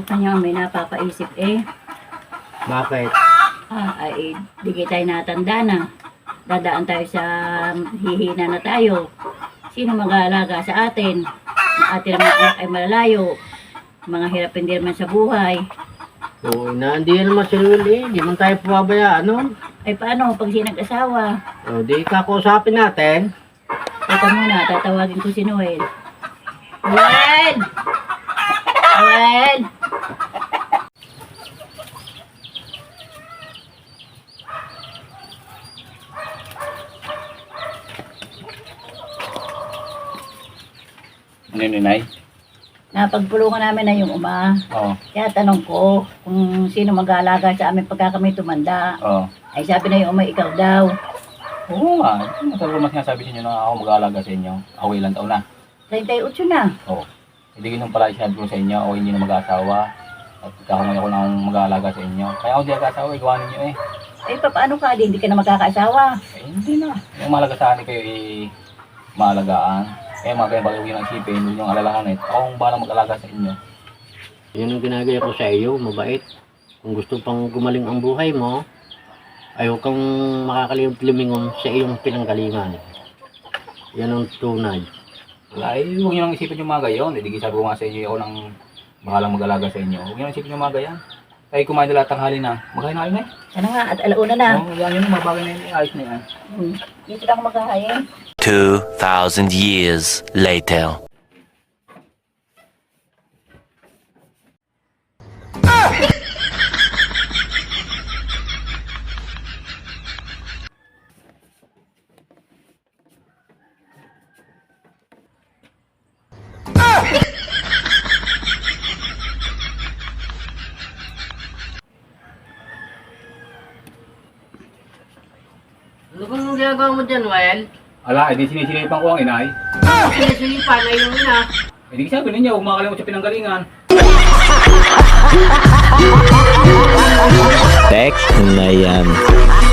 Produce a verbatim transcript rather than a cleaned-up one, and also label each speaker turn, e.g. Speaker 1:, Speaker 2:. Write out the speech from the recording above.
Speaker 1: kanya may napapaisip eh.
Speaker 2: Bakit?
Speaker 1: Ah, ay, di tayo natanda na. Dadaan tayo sa hihina na tayo. Sino mag-aalaga sa atin? Atin naman anak ay malalayo. Mga hirap hindi naman sa buhay.
Speaker 2: Oo, na, hindi naman si Will eh. Hindi man tayo pababayaan, no?
Speaker 1: Ay paano pag siya nag-asawa?
Speaker 2: O, di kakausapin natin.
Speaker 1: Teka muna, tatawagin ko si Noel. Noel! Noel!
Speaker 3: Ano yun, Nay?
Speaker 1: Napagpulungan namin na yung uma.
Speaker 3: Oo.
Speaker 1: Kaya tanong ko kung sino mag-aalaga sa amin pagka kami tumanda.
Speaker 3: Oo.
Speaker 1: Ay sabi na yung uma, ikaw daw.
Speaker 3: Oo nga. Matagal mas sinasabi sa inyo na ako mag-aalaga sa inyo. Ako ilang taon na.
Speaker 1: thirty-eight na.
Speaker 3: Oo. Hindi ganun pala sinabi ko sa inyo. Ako hindi na mag-aasawa. At kakamay ako nang mag-aalaga sa inyo. Kaya ako hindi mag-aasawa. Igawa ninyo eh.
Speaker 1: Eh paano ka? Di, hindi ka na magkakaasawa.
Speaker 3: Eh hindi na. Yung mahalaga sa akin kayo eh maalagaan. Kaya mga kaya bagay yung isipin. Huwag niyong alalahanin. Ako ang balang mag-alaga sa inyo.
Speaker 2: Yan ang ginagaya ko sa iyo, mabait. Kung gusto pang gumaling ang buhay mo, ay huwag kang makakalimot-limingon sa iyong pinanggalingan. Yan ang tunay.
Speaker 3: Wala eh. Huwag niyo nang isipin yung mga gayon. Hindi sabi ko nga sa inyo. Ako nang bahalang mag-alaga sa inyo. Huwag niyo nang isipin yung mga gayan. Tayo kumain na lahat tanghali na. Magkain na kayo na eh.
Speaker 1: Ano nga, at alauna na.
Speaker 3: Oo, yan yun. Mga bagay na yun. Ayos na yan.
Speaker 1: Hmm. Dito lang ako magkahain.
Speaker 4: Two thousand years later.
Speaker 2: Ano bang ginagawa mo dyan, Well?
Speaker 3: Ala, edi sinisilipan ko ang inay.
Speaker 2: Sinisilipan na yung ina.
Speaker 3: Hindi sabi ninyo, huwag makakalimot sa pinanggalingan.
Speaker 4: Tek na yan.